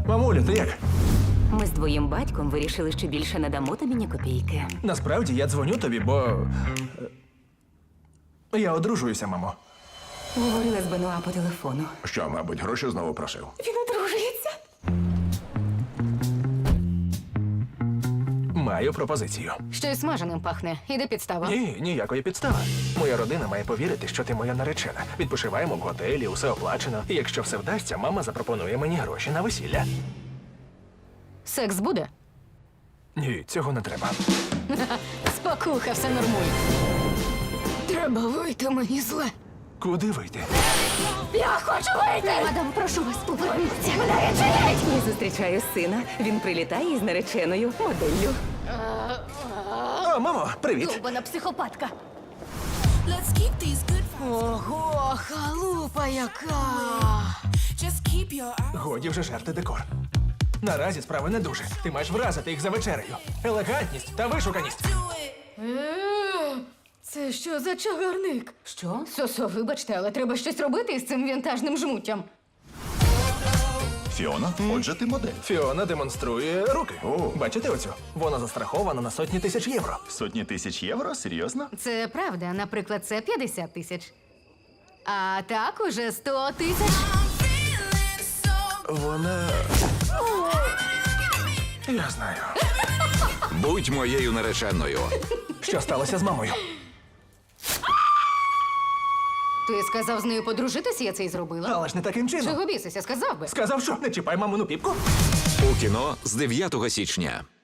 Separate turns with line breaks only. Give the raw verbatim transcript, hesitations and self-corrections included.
Мамулю, ти як?
Ми з твоїм батьком вирішили, що більше не дамо тобі ні копійки.
Насправді я дзвоню тобі, бо. е, Я одружуюся, мамо.
Говорила з Бенуа по телефону.
Що, мабуть, гроші знову просив?
Він одружується.
Маю пропозицію.
Щось смаженим пахне. Іде підстава.
Ні, ніякої підстави. Моя родина має повірити, що ти моя наречена. Відпочиваємо в готелі, усе оплачено. І якщо все вдасться, мама запропонує мені гроші на весілля.
Секс буде?
Ні, цього не треба.
Спокуха, все нормуй. Треба вийти, мені зле.
Куди вийти?
Я хочу вийти! Мадам, прошу вас, поверніться. Мене
Я зустрічаю сина. Він прилітає із нареченою моделлю.
О, мамо, привіт!
Довбана психопатка.
Let's keep these good vibes.
Ого, халупа яка!
Just keep your eyes.
Годі вже жерти декор. Наразі справи не дуже. Ти маєш вразити їх за вечерею. Елегантність та вишуканість.
Do it.
Е, Це що за чагарник?
Що?
Сосо, вибачте, але треба щось робити із цим вінтажним жмуттям.
Фіона, отже, ти модель.
Фіона демонструє руки.
О.
Бачите оцю? Вона застрахована на сотні тисяч євро.
Сотні тисяч євро? Серйозно?
Це правда, наприклад, це п'ятдесят тисяч. А так уже сто тисяч.
I'm feeling so
Вона. Я знаю.
Будь моєю нареченою.
Що сталося з мамою?
Ти сказав з нею подружитися, я це й зробила.
Але ж не таким чином.
Чого бісися, сказав би.
Сказав, що не чіпай мамину піпку.
У кіно з дев'ятого січня.